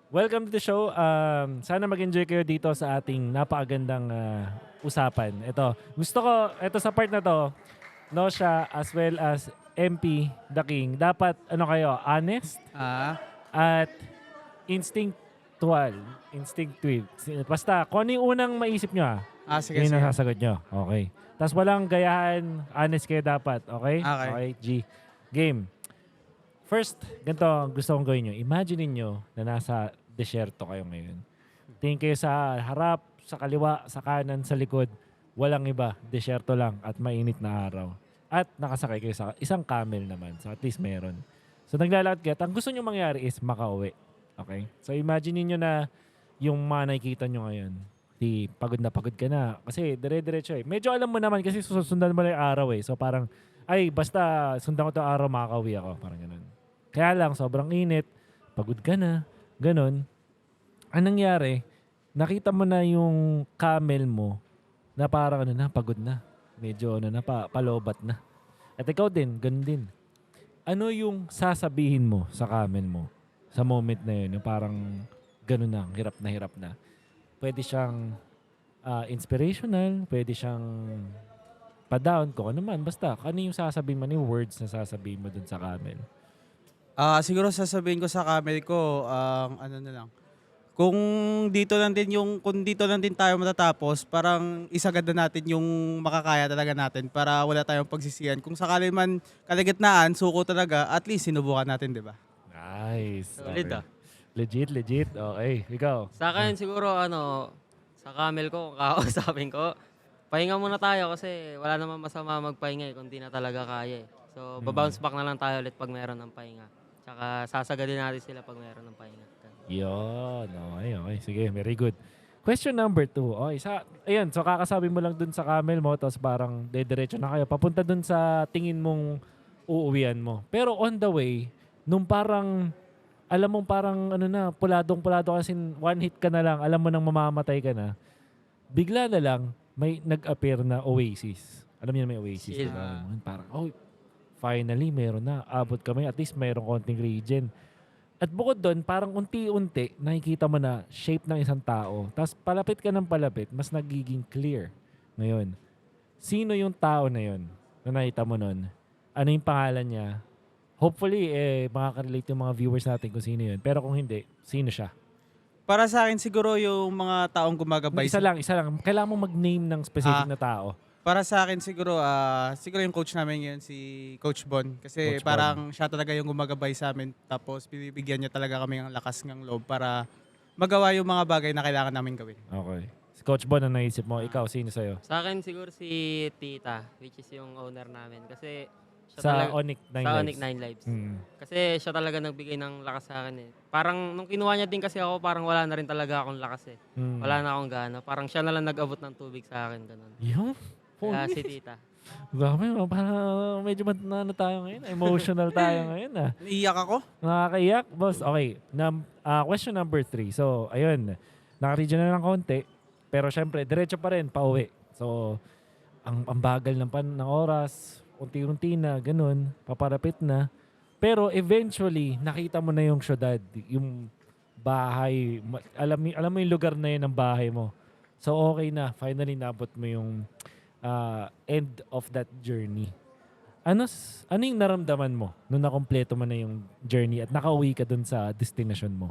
Welcome to the show. Sana mag-enjoy kayo dito sa ating napakagandang usapan. Ito, gusto ko, ito sa part na to, Nosha as well as MP, The King, dapat ano kayo, honest Ah, at instinctual. Instinctive. Basta, kung ano yung unang maisip nyo sige, yun sige. ang sasagot nyo. Okay. Tapos walang gayahan, honest kayo dapat. Okay? Okay. Okay, G. Game. First, ganito ang gusto kong gawin nyo. Imagine niyo na nasa desierto kayo ngayon. Tingin kayo sa harap, sa kaliwa, sa kanan, sa likod. Walang iba. Desierto lang at mainit na araw. At nakasakay kayo sa isang camel naman. So at least meron. So naglalakad kayo. At ang gusto nyo mangyari is makauwi. Okay? So imagine niyo na yung mga nakikita nyo ngayon. Di pagod na pagod ka na. Kasi dire-diretso eh. Medyo alam mo naman kasi susundan mo na yung araw eh. So parang, ay basta sundan ko to araw makakauwi ako. Parang ganun. Kaya lang, sobrang init, pagod ka na, ganun. Anong nangyari, nakita mo na yung camel mo na parang ano na, pagod na. Medyo ano na, palobat na. At ikaw din, ganun din. Ano yung sasabihin mo sa camel mo sa moment na yun? Yung parang ganun na, hirap na hirap na. Pwede siyang inspirational, pwede siyang pa-down, kung ano man. Basta, ano yung sasabihin mo, ano yung words na sasabihin mo dun sa camel? Siguro sasabihin ko sa camel ko, ano na lang, kung dito lang din tayo matatapos, parang isagad na natin yung makakaya talaga natin para wala tayong pagsisihan. Kung sakali man kalagitnaan, suko talaga, at least sinubukan natin, 'di ba? Nice. Solid Okay. ah. Legit, legit. Okay. Ikaw. Sa akin siguro sa camel ko, kung kakausapin ko, pahinga muna tayo kasi wala namang masama magpahinga kung di na talaga kaya eh. So, Mm. babounce back na lang tayo ulit pag meron ng pahinga. Tsaka sasagadin natin sila pag meron ng pahinga. Yun. Okay, okay. Sige, very good. Question number 2. Okay, ayun, so kakasabi mo lang dun sa camel mo, tapos parang dediretso na kayo. Papunta dun sa tingin mong uuwian mo. Pero on the way, nung parang, alam mong parang ano na, puladong-pulado kasi one hit ka na lang, alam mo nang mamamatay ka na, bigla na lang, may nag-appear na oasis. Alam niyo na may oasis, di Chill. ba? Parang, oh, finally, meron na. Abot kami. At least meron konting regen. At bukod doon, parang unti-unti, nakikita mo na shape ng isang tao. Tapos palapit ka ng palapit, mas nagiging clear. Ngayon, sino yung tao na yun na nakita mo nun? Ano yung pangalan niya? Hopefully, makaka-relate yung mga viewers natin kung sino yun. Pero kung hindi, sino siya? Para sa akin siguro yung mga taong gumagabay Isa lang, isa lang. Kailangan mo mag-name ng specific ah, na tao. para sa akin siguro yung coach namin ngayon si Coach Bon kasi Coach Bon. parang siya talaga yung gumagabay sa amin tapos binibigyan niya talaga kami ng lakas ng loob para magawa yung mga bagay na kailangan namin gawin. Okay. Si Coach Bon, ang naisip mo? Ikaw, sino sa'yo? Sa akin siguro si Tita, which is yung owner namin. Kasi siya Sa talaga, Onyx 9 sa Lives. Onyx 9 Lives. Mm. Kasi siya talaga nagbigay ng lakas sa akin eh. Parang nung kinuha niya din kasi ako, parang wala na rin talaga akong lakas eh. Mm. Wala na akong gana. Parang siya na lang nag-abot ng tubig sa akin. Ganun. Yung? Kaya si Tita. Grabe, parang medyo ano tayo ngayon. Emotional tayo ngayon ah. Naiiyak ako. Nakakaiyak. Boss, okay. Question number 3. So, ayun. Naka-region na ng konti. Pero syempre, diretso pa rin, pauwi. So, ang bagal ng oras, unti-unti na, ganun, paparapit na. Pero eventually, nakita mo na yung syudad, yung bahay. Alam mo yung lugar na yun ng bahay mo. So, okay na. Finally, nabot mo yung end of that journey. Ano yung naramdaman mo nung nakompleto mo na yung journey at nakauwi ka dun sa destination mo?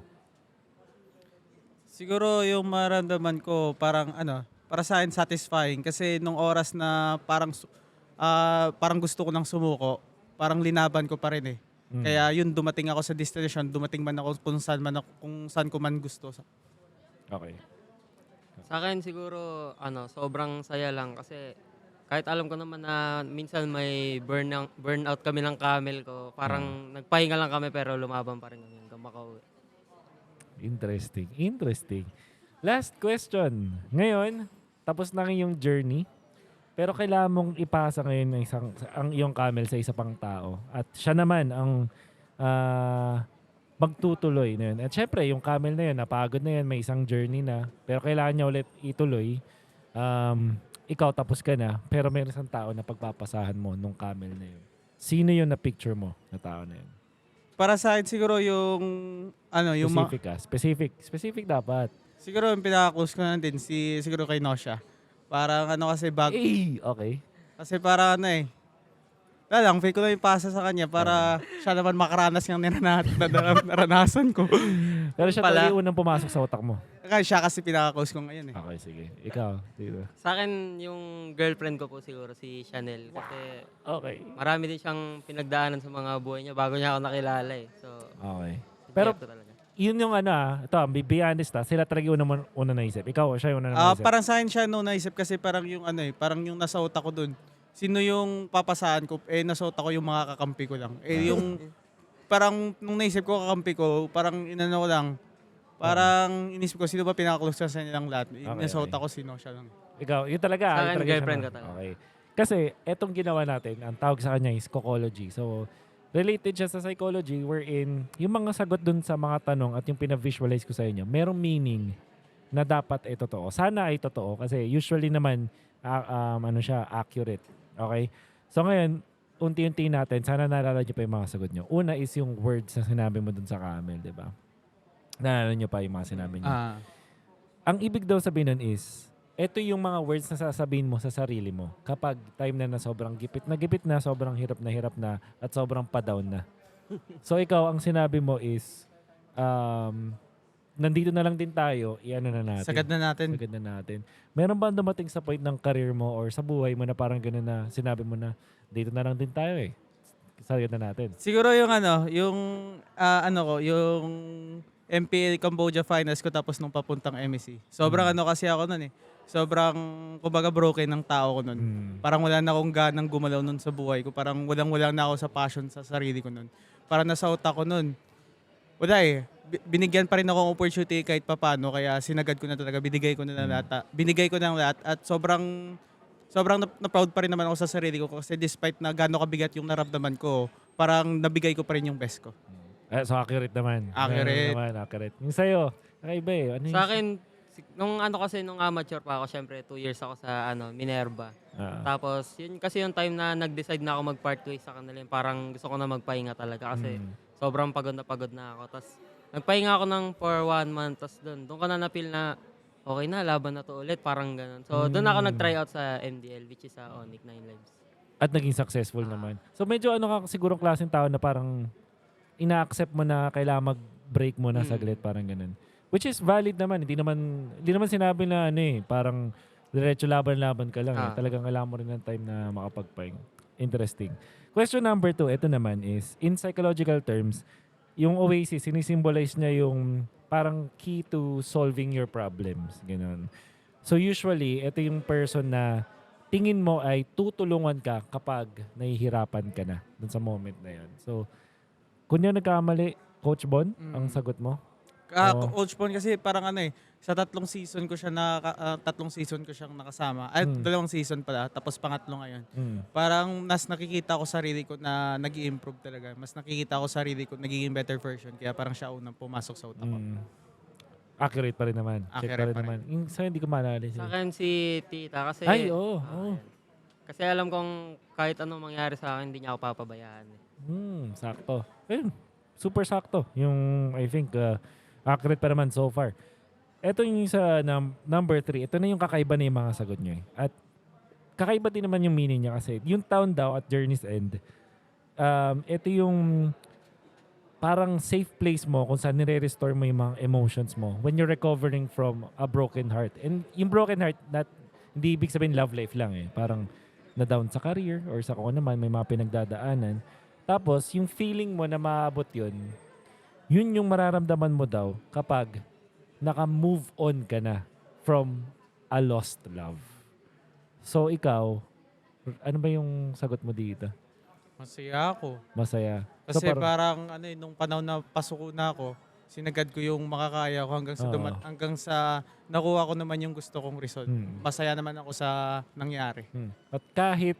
Siguro yung maramdaman ko parang para sa akin satisfying kasi nung oras na parang gusto ko nang sumuko, parang linaban ko pa rin eh. Mm. Kaya yun dumating ako sa destination, dumating man ako kung saan ko man gusto. Okay. Sa akin siguro, sobrang saya lang kasi kahit alam ko naman na minsan may burnout kami ng camel ko, parang nagpahinga lang kami pero lumaban pa rin kami hanggang makauwi. Interesting. Interesting. Last question. Ngayon, tapos na yung journey. Pero kailangan mong ipasa ngayon ang iyong camel sa isa pang tao. At siya naman ang magtutuloy na yun. At syempre, yung camel na yun, napagod na yun, may isang journey na. Pero kailangan niya ulit ituloy. Ikaw tapos ka na, pero may isang tao na pagpapasahan mo nung camel na yun. Sino yun na picture mo na tao na yun? para sa akin siguro yung ano, yung Specific ka. Specific dapat. siguro yung pinaka-close ko na din siguro kay Nosha. Parang ano kasi Okay. kasi parang ano wala lang, fake ko lang yung pasa sa kanya para siya naman makaranas ng naranasan ko. Pero siya Pala. talaga yung unang pumasok sa utak mo. Kaya siya kasi pinaka-close ko ngayon Okay, sige. Ikaw, dito. Sa akin, yung girlfriend ko po siguro, si Chanel. Kasi Okay. marami din siyang pinagdaanan sa mga buhay niya bago niya ako nakilala eh. So, Okay. si Pero Jeff ko talaga. yun yung ito, be honest sila talaga yung una naisip. Ikaw, siya yung una naisip. Parang sa akin siya naisip kasi parang yung parang yung nasa utak ko dun. Sino yung papasahan ko? Nasa utak ko yung mga kakampi ko lang. Yung parang nung naisip ko kakampi ko, parang inano ko lang. Parang inisip ko sino ba pinaka-close sa nilang lahat. Nasa utak ko sino siya lang. Ikaw, yun talaga. Sa yun akin, talaga siya, girlfriend no? ko talaga. Okay. Kasi, etong ginawa natin, ang tawag sa kanya is Cocology. So, related siya sa psychology wherein yung mga sagot dun sa mga tanong at yung pinavisualize ko sa inyo, merong meaning na dapat ay totoo. Sana ay totoo kasi usually naman, siya, accurate. Okay? So ngayon, unti-unti natin, sana naalala nyo pa yung mga sagot nyo. Una is yung words na sinabi mo dun sa camel, di ba? Naalala nyo pa yung mga sinabi nyo. Ang ibig daw sabihin nun is, ito yung mga words na sasabihin mo sa sarili mo kapag time na sobrang gipit na, sobrang hirap na, at sobrang pa-down na. So ikaw, ang sinabi mo is, nandito na lang din tayo, i-ano na natin. Sagad na natin. Sagad na natin. Meron ba dumating sa point ng career mo or sa buhay mo na parang gano'n na sinabi mo na, dito na lang din tayo eh. Sagad na natin. Siguro yung yung MPL Cambodia Finals ko tapos nung papuntang MEC. Sobrang kasi ako nun Sobrang, kumbaga broken ng tao ko nun. Parang wala na akong ganang gumalaw nun sa buhay ko. Parang walang na ako sa passion sa sarili ko nun. Parang nasa utak ko nun. Wala binigyan pa rin ako ng opportunity kahit papano. Kaya sinagad ko na talaga. Binigay ko na lahat. Binigay ko na lahat. At sobrang na-proud pa rin naman ako sa sarili ko. Kasi despite na gano'ng kabigat yung naramdaman ko, parang nabigay ko pa rin yung best ko. So accurate naman. Accurate. Yung sa'yo, nakaiba eh. Ano Sa akin, nung amateur pa ako, syempre 2 years ako sa Minerva. Tapos, yun kasi yung time na nag-decide na ako mag-part ways sa kanila. Parang gusto ko na magpahinga talaga kasi sobrang pagod na ako. Tapos, nagpahinga ako for 1 month. Tapos doon ko na na-feel na okay na, laban na to ulit. Parang ganun. So, doon ako nag-try out sa MDL, which is sa Onyx 9 Lives. At naging successful naman. So medyo ka sigurong klaseng tao na parang ina-accept mo na kailangan mag-break mo na saglit, parang ganun. Which is valid naman. Hindi naman sinabi na parang diretso laban-laban ka lang. Talagang kailangan mo rin ng time na makapagpahinga. Interesting. Question number 2, ito naman is, in psychological terms, yung Oasis, sinisimbolize niya yung parang key to solving your problems. Ganun. So usually, ito yung person na tingin mo ay tutulungan ka kapag nahihirapan ka na dun sa moment na yan. So, kung yan nagkamali, Coach Bon, ang sagot mo? Coach Bon kasi parang sa 3 season ko siya 3 season ko siyang nakasama. Ay, 2 season pala, tapos pangatlo ngayon. Parang nakikita ko sarili ko na nag-i-improve talaga. Mas nakikita ko sarili ko nagiging better version. Kaya parang siya unang pumasok sa utak ko. Accurate pa rin naman. Check Accurate pa rin naman. Yung sa'yo, hindi ko maalala. Sa akin si Tita kasi... Ay, oo. Kasi alam kong kahit anong mangyari sa akin, hindi niya ako papabayaan. Sakto. Ayun, super sakto. Yung, I think, accurate pa naman so far. Ito yung sa number 3. Ito na yung kakaiba na yung mga sagot nyo. At kakaiba din naman yung meaning niya kasi yung town daw at Journey's End, ito yung parang safe place mo kung saan nire-restore mo yung mga emotions mo when you're recovering from a broken heart. And yung broken heart, hindi ibig sabihin love life lang Parang na-down sa career or sa kung naman may mga pinagdadaanan. Tapos, yung feeling mo na maabot yun yung mararamdaman mo daw kapag naka-move on ka na from a lost love. So, ikaw, ano ba yung sagot mo dito? Masaya ako. Masaya. Kasi parang nung panahon na pasok na ako, sinagad ko yung makakaya ko hanggang sa nakuha ko naman yung gusto kong result. Masaya naman ako sa nangyari. At kahit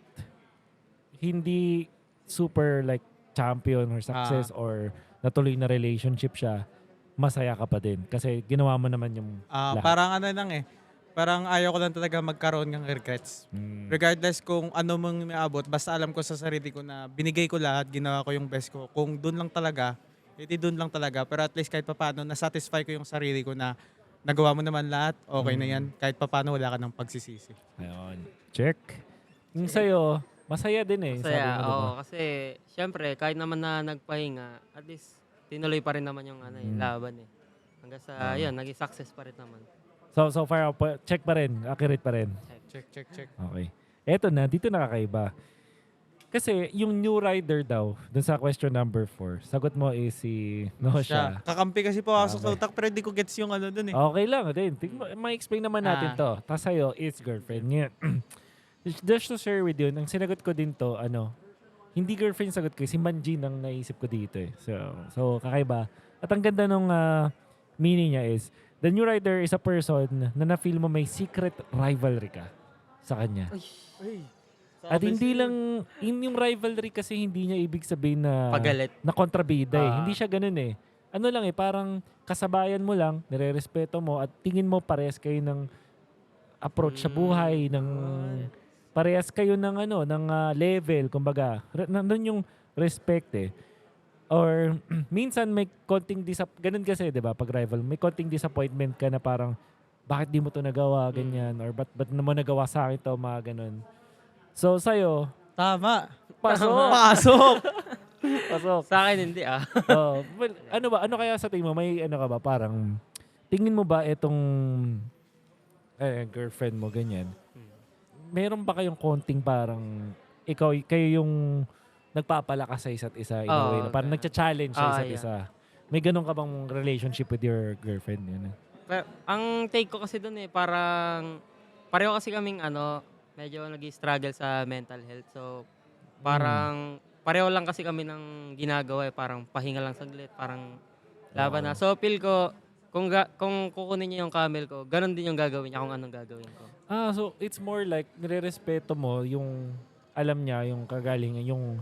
hindi super like champion or success or natuloy na relationship siya, masaya ka pa din kasi ginawa mo naman yung lahat. Parang Parang ayaw ko lang talaga magkaroon ng regrets. Regardless kung ano mong naabot, basta alam ko sa sarili ko na binigay ko lahat, ginawa ko yung best ko. Kung doon lang talaga, edi doon lang talaga. Pero at least kahit papaano, nasatisfy ko yung sarili ko na nagawa mo naman lahat, okay na yan. Kahit papaano, wala ka ng pagsisisi. Ayun. Check. Yung sa'yo, masaya din eh. Sabi Masaya, mo, diba? oo. Kasi, syempre, kahit naman na nagpahinga, at least, tinuloy pa rin naman yung laban eh. Hanggang sa, yun, naging success pa rin naman. So far, check pa rin. Accurate pa rin. Check. Okay. Eto na, dito nakakaiba. Kasi yung new rider daw, dun sa question number 4, sagot mo is si Nosha. Kakampi kasi pumasok sa utak, pero di ko gets yung ano dun eh. Okay lang din. Ma-explain naman natin to. Tapos sa'yo, it's girlfriend. Ngayon, just to share with you, ang sinagot ko din to, hindi girlfriend sagot ko, si Manjin ang naisip ko dito eh. So kakaiba. At ang ganda nung meaning niya is, the new rider is a person na na-feel mo may secret rivalry ka sa kanya. At hindi lang, yung rivalry kasi hindi niya ibig sabihin na Pagalit. na kontrabida eh. Hindi siya ganun eh. Ano lang eh, parang kasabayan mo lang, nire-respeto mo at tingin mo parehas kayo ng approach sa buhay, ng parehas kayo ng ng level, kumbaga. Nandun yung respect eh. Or minsan may konting ganun kasi, 'di ba? Pag rival, may konting disappointment ka na parang bakit di mo to nagawa ganyan or ba't mo nagawa sa akin to, mga ganun. So sa'yo, Tama. pasok. Pasok. Sa akin, hindi Well, ano kaya sa tingin mo? May ano ka ba? Parang, tingin mo ba itong girlfriend mo, ganyan? Meron ba kayong konting parang, kayo yung nagpapalakas sa isa't isa in a way, na parang nagcha-challenge sa isa't isa? May ganun ka bang relationship with your girlfriend? Yun? Pero, ang take ko kasi doon parang, pareho kasi kaming medyo nag-struggle sa mental health. So, parang, pareho lang kasi kami ng ginagawa parang pahinga lang saglit, parang laban na. So, feel ko, kung kukunin niya yung camel ko, ganun din yung gagawin niya kung anong gagawin ko. So it's more like nire-respeto mo yung alam niya, yung kagalingan, yung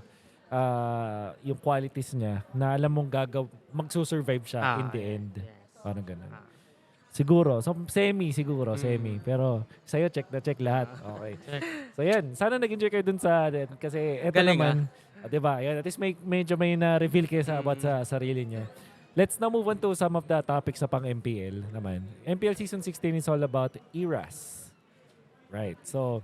qualities niya na alam mong magsusurvive siya in the end. Yes. Parang ganun. Siguro. So, semi. Pero sa'yo, check na check lahat. Okay. So, yan. Sana nag-enjoy kayo dun sa... Kasi eto Galing, naman, diba? Yan, at least medyo may na-reveal kayo about sa sarili niya. Let's now move on to some of the topics sa pang-MPL naman. MPL Season 16 is all about eras. Right. So,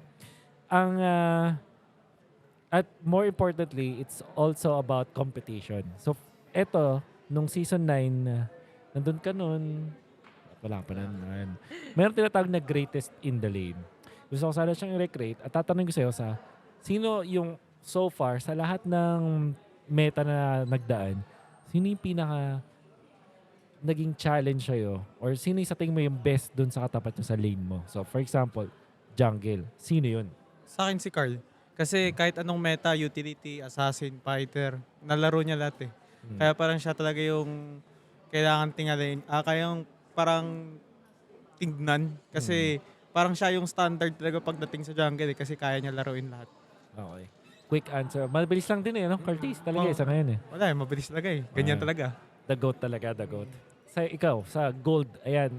at more importantly, it's also about competition. So, eto, nung Season 9, nandun ka nun, wala pa naman. Meron tinatawag na greatest in the lane. Gusto ko sana siyang i-recreate at tatanungin ko sa'yo sino yung so far sa lahat ng meta na nagdaan, sino yung pinaka naging challenge sa'yo or sino yung sa tingin mo yung best dun sa katapat nyo sa lane mo? So for example, jungle. Sino yun? Sa akin si Carl. Kasi kahit anong meta, utility, assassin, fighter, nalaro niya lahat eh. Kaya parang siya talaga yung kailangan tingalin. Kayang parang tignan. Kasi parang siya yung standard talaga pagdating sa jungle eh, kasi kaya niya laruin lahat. Okay. Quick answer. Mabilis lang din no? Curtis talaga sa ngayon eh. Wala eh, mabilis talaga eh. Ganyan talaga. The GOAT talaga, the GOAT. Sa ikaw, sa gold, ayan.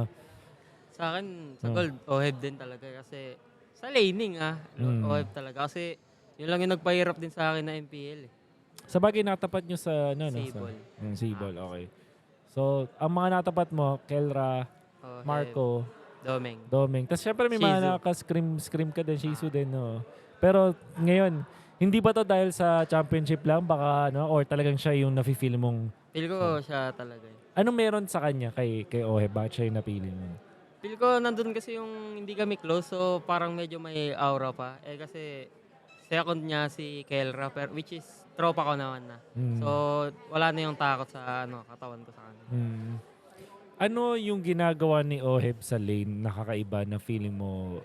Sa akin, sa gold, OHEB din talaga. Kasi sa laning OHEB talaga. Kasi yun lang yung nagpahirap din sa akin na MPL eh. Sa bagay natapat nyo sa Sable. Sable, okay. So, ang mga natapat mo, Kelra, OHEB, Marco, Domeng. Tapos syempre may Shizu. mga nakaka-scream ka din, Shizu din, no? Pero ngayon, hindi ba to dahil sa championship lang? Baka, or talagang siya yung nafe-feel mong... Feel ko siya talaga eh. Anong meron sa kanya kay Ohe? Bakit siya yung napili mo? Feel ko nandun kasi yung hindi kami close, so parang medyo may aura pa. Kasi second niya si Kelra, which is tropa ko naman na. So wala na yung takot sa katawan ko sa kanya. Ano yung ginagawa ni Oheb sa lane nakakaiba na feeling mo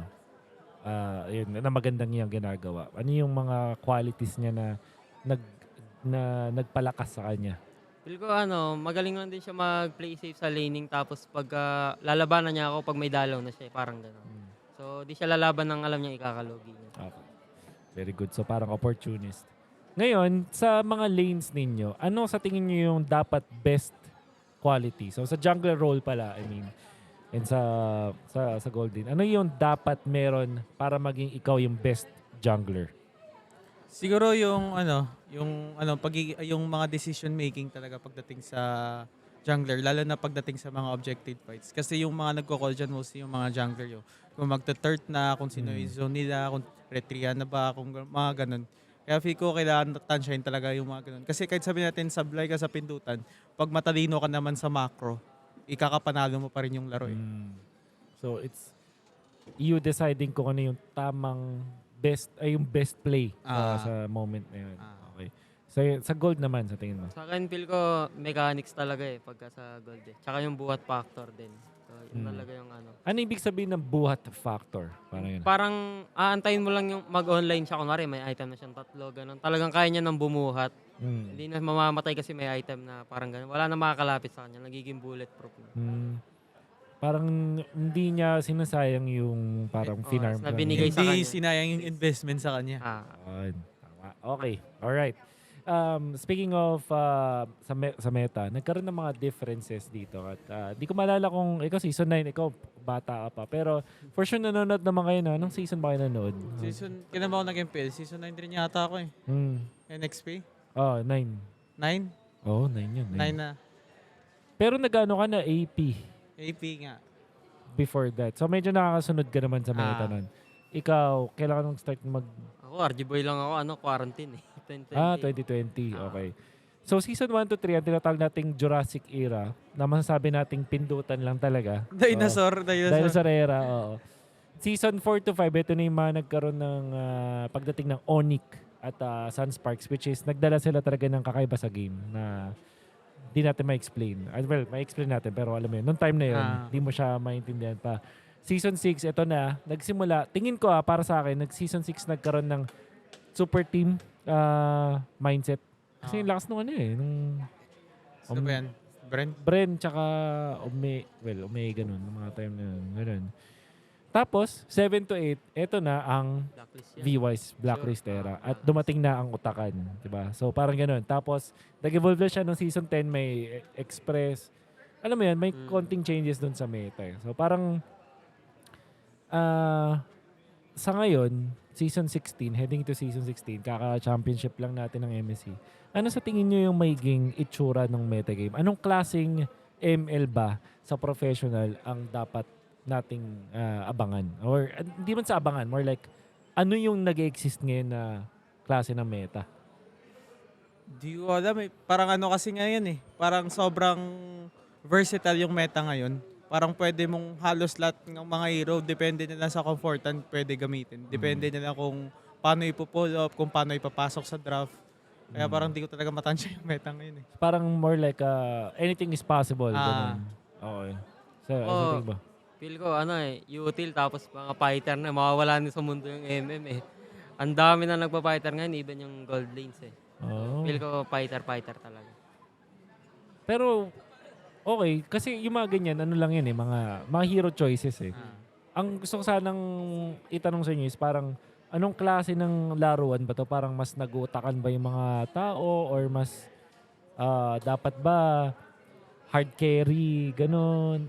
yun, na magandang niyang ginagawa? Ano yung mga qualities niya na nagpalakas sa kanya? Feel ko magaling lang din siya mag-play safe sa laning, tapos pag lalabanan niya ako pag may dalaw na siya, parang gano'n. So di siya lalaban ng alam niya ikakalogi niya. Okay. Very good. So parang opportunist. Ngayon, sa mga lanes ninyo, ano sa tingin niyo yung dapat best quality? So sa jungler role pala, I mean, and sa Golden, ano yung dapat meron para maging ikaw yung best jungler? Siguro yung mga decision making talaga pagdating sa jungler, lalo na pagdating sa mga objective fights. Kasi yung mga nagko-call dyan, mostly yung mga jungler yun. Kung magta-third na, kung sino yung zone nila, kung retria na ba, kung mga ganun. Kaya feel ko kailangan tansyahin talaga yung mga ganun. Kasi kahit sabihin natin sablay ka sa pindutan, pag matalino ka naman sa macro, ikakapanalo mo pa rin yung laro eh. So it's you deciding kung ano yung tamang yung best play sa moment na yun. Okay. So sa gold naman sa tingin mo. Sa akin, feel ko mechanics talaga eh pagka sa gold eh. Tsaka yung buhat factor din. So, yun talaga yung ano. Ano ibig sabihin ng buhat factor? Parang yun. Parang aantayin mo lang yung mag-online siya. Kunwari, may item na siyang 3, ganun. Talagang kaya niya nang bumuhat. Hindi na mamamatay kasi may item na parang ganun. Wala na makakalapit sa kanya. Nagiging bulletproof na. Parang hindi niya sinasayang yung parang finarm. na binigay sa Hindi kanya. sinayang yung investment sa kanya. Yun. Tama. Okay. Alright. Speaking of sa meta, nagkaroon ng mga differences dito. At di ko maalala kung ikaw season 9, ikaw bata ka pa. Pero for sure nanonood naman kayo na. Anong season ba kayo nanonood? Kailan ba ako nag-MPL? Season 9 rin yata ako eh. NXP? Oh, 9. 9? Oh, 9 yun. 9 na. Pero nag-ano ka na AP AP nga. before that. So medyo nakakasunod ka naman sa meta nun. Ikaw, kailangan nung start Ako, RG boy lang ako. Quarantine eh. 2020. 2020. Okay. So season 1 to 3, ang tinatawag nating Jurassic era, na masasabi nating pindutan lang talaga. Dinosaur. Dinosaur era, oo. Season 4 to 5, ito na yung mga nagkaroon ng pagdating ng Onyx at Sunsparks, which is nagdala sila talaga ng kakaiba sa game na di natin ma-explain. Well, ma-explain natin, pero alam mo yun, noong time na yun, di mo siya maintindihan pa. Season 6, ito na, nagsimula, tingin ko para sa akin, season 6 nagkaroon ng super team mindset. Kasi yung lakas nung ano eh, nung Sino ba yan? Brent? Bren tsaka Omega nun, nung mga time na yun, ganun. Tapos, 7 to 8, ito na ang Blacklist yan. V-Wise Blacklist era. At dumating na ang Utakan. Diba? So, parang ganun. Tapos, nag-evolve na siya nung season 10, may Express. Alam mo yan, may konting changes dun sa meta. So, parang, sa ngayon, season 16, heading to season 16, kaka-championship lang natin ng MSC. Ano sa tingin nyo yung magiging itsura ng metagame? Anong klaseng ML ba sa professional ang dapat nating abangan? Or hindi man sa abangan, more like ano yung nag-exist ngayon na klase ng meta? Di ko alam eh. Parang ano kasi ngayon eh. Parang sobrang versatile yung meta ngayon. Parang pwede mong halos lahat ng mga hero, depende nila sa comfortan, pwede gamitin. Depende nila kung paano ipo-pull up, kung paano ipapasok sa draft. Kaya parang di ko talaga matansya yung meta ngayon eh. Parang more like anything is possible. Ganun. Okay. So, ano sa tingin ba? Feel ko util tapos mga fighter na mawawala na sa mundo yung MM eh. Ang dami na nagpa-fighter ngayon, even yung gold lanes eh. Oh. Feel ko fighter talaga. Pero, okay. Kasi yung mga ganyan, ano lang yan eh, mga hero choices eh. Ang gusto ko sanang itanong sa inyo is parang, anong klase ng laruan ba to? Parang mas nag-uutakan ba yung mga tao or mas dapat ba hard carry, ganun,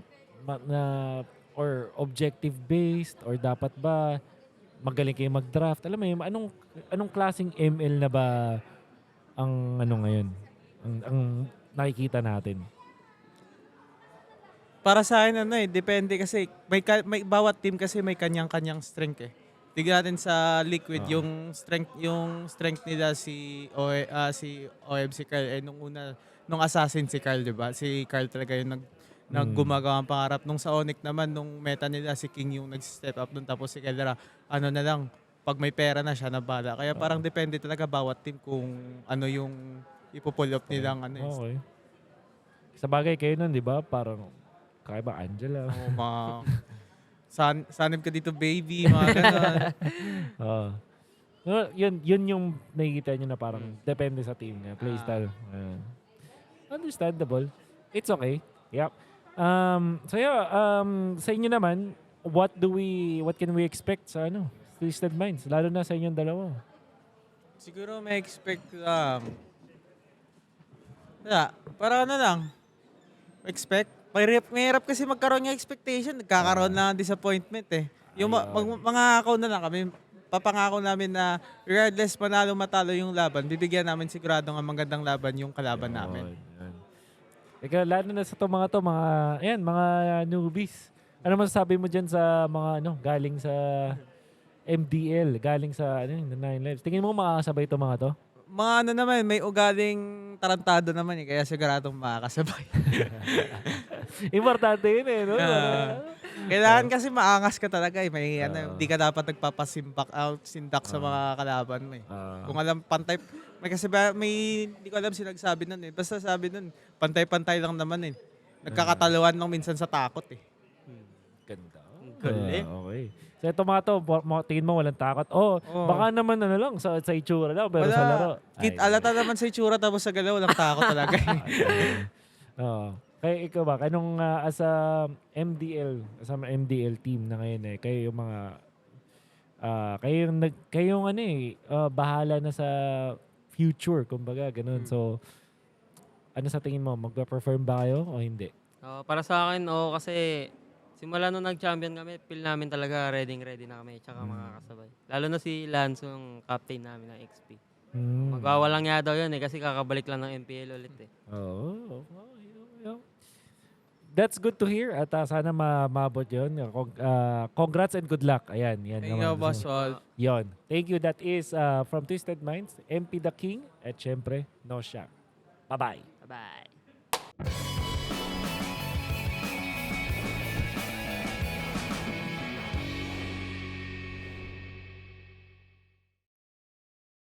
or objective based, or dapat ba magaling kayo mag-draft? Alam mo yun, anong klaseng ML na ba ang ngayon? Ang nakikita natin? Para sa akin depende kasi may bawat team kasi may kanyang-kanyang strength eh. Tignan natin sa Liquid yung strength nila si OM si Carl nung Assassin si Carl, 'di ba? Si Carl talaga yung gumagawa ng pangarap. Nung sa Onyx naman nung meta nila si King yung nag-step up dun, tapos si Keldra na lang pag may pera na siya na bala. Kaya parang depende talaga bawat team kung ano yung ipo-pull up nilang Okay. Sa bagay kayo nun, di ba? Parang kaya ba Angela? mga sanib ka dito baby, mga ganun. Yun yung nakikita nyo na parang depende sa team niya, playstyle. Understandable. It's okay. Yep. So yeah, sa inyo naman, what can we expect sa Twisted Minds, lalo na sa inyong dalawa? Siguro may expect lang. Wala, para lang. Expect. Mahirap kasi magkaroon ng expectation. Nagkakaroon lang ng disappointment eh. Yung mangangako na lang kami, papangako namin na regardless manalo matalo yung laban, bibigyan namin sigurado ng magandang laban yung kalaban namin. Yan. Ikaw, lalo na sa mga newbies. Ano masasabi mo dyan sa mga galing sa MDL, galing sa Nine Lives? Tingin mo makakasabay itong mga to? Mga naman, may ugaling tarantado naman eh, kaya siguradong makakasabay. Importante yun eh, no? Kailangan kasi maangas ka talaga eh. Hindi ka dapat sindak sa mga kalaban mo eh. Kung alam, pantay, hindi ko alam sinagsabi nun eh. Basta sabi nun, pantay-pantay lang naman eh. Nagkakataluan lang minsan sa takot eh. Ganda. Galing. Okay. So ito mga to, tingin mo walang takot. Baka naman lang sa itsura lang, pero Wala. sa laro. Alata naman sa itsura tapos sa galaw, walang takot talaga eh. Oo. Kaya ikaw ba, anong as a MDL team na ngayon eh, kayo yung mga bahala na sa future, kumbaga, ganun. So, ano sa tingin mo, magpa-perform ba kayo o hindi? Para sa akin, kasi simula nung nag-champion kami, feel namin talaga ready na kami, tsaka makakasabay. Lalo na si Lance, yung captain namin ng XP. Magwawalang nga daw yun kasi kakabalik lang ng MPL ulit eh. Oo. That's good to hear at sana mabot yun. Congrats and good luck. Ayan. Yan Thank you, Boss Walt. Yon. Thank you. That is from Twisted Minds, MP The King, at syempre, No Shot. Bye-bye. Bye-bye.